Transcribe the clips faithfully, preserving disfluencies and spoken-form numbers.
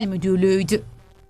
Müdürlüğüydü.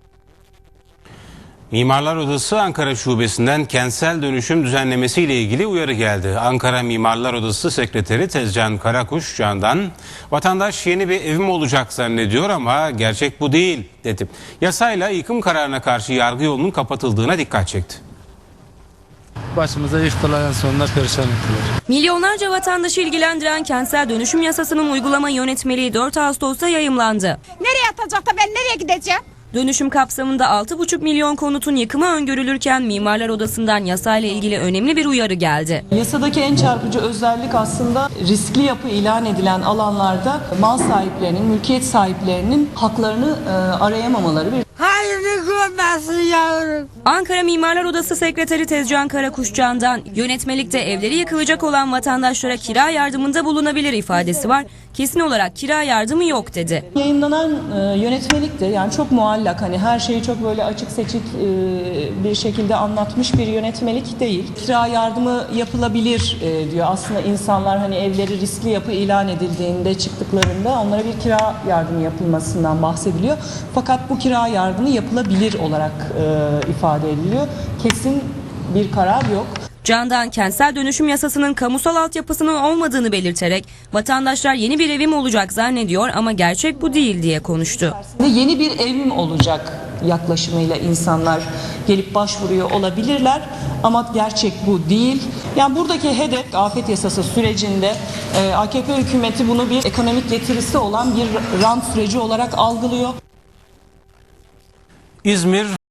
Mimarlar Odası Ankara Şubesi'nden kentsel dönüşüm düzenlemesi ile ilgili uyarı geldi. Ankara Mimarlar Odası Sekreteri Tezcan Karakuş Can'dan vatandaş yeni bir evim olacak zannediyor ama gerçek bu değil dedi. Yasayla yıkım kararına karşı yargı yolunun kapatıldığına dikkat çekti. Başımıza yıktılar, en sonunda perişan ettiler. Milyonlarca vatandaşı ilgilendiren kentsel dönüşüm yasasının uygulama yönetmeliği dört Ağustos'ta yayımlandı. Nereye atacak da ben nereye gideceğim? Dönüşüm kapsamında altı buçuk milyon konutun yıkımı öngörülürken Mimarlar Odası'ndan yasayla ilgili önemli bir uyarı geldi. Yasadaki en çarpıcı özellik aslında riskli yapı ilan edilen alanlarda mal sahiplerinin, mülkiyet sahiplerinin haklarını e, arayamamaları. Bir Hayırlı görmesin yavrum. Ankara Mimarlar Odası Sekreteri Tezcan Karakuşcan'dan yönetmelikte evleri yıkılacak olan vatandaşlara kira yardımında bulunabilir ifadesi var. Kesin olarak kira yardımı yok dedi. Yayınlanan e, yönetmelik de yani çok muallak, hani her şeyi çok böyle açık seçik e, bir şekilde anlatmış bir yönetmelik değil. Kira yardımı yapılabilir e, diyor. Aslında insanlar hani evleri riskli yapı ilan edildiğinde, çıktıklarında onlara bir kira yardımı yapılmasından bahsediliyor. Fakat bu kira yardımı yapılabilir olarak e, ifade ediliyor. Kesin bir karar yok. Candan kentsel dönüşüm yasasının kamusal altyapısının olmadığını belirterek vatandaşlar yeni bir evim olacak zannediyor ama gerçek bu değil diye konuştu. Yeni bir evim olacak yaklaşımıyla insanlar gelip başvuruyor olabilirler ama gerçek bu değil. Yani buradaki hedef afet yasası sürecinde e, A K P hükümeti bunu bir ekonomik getirisi olan bir rant süreci olarak algılıyor. İzmir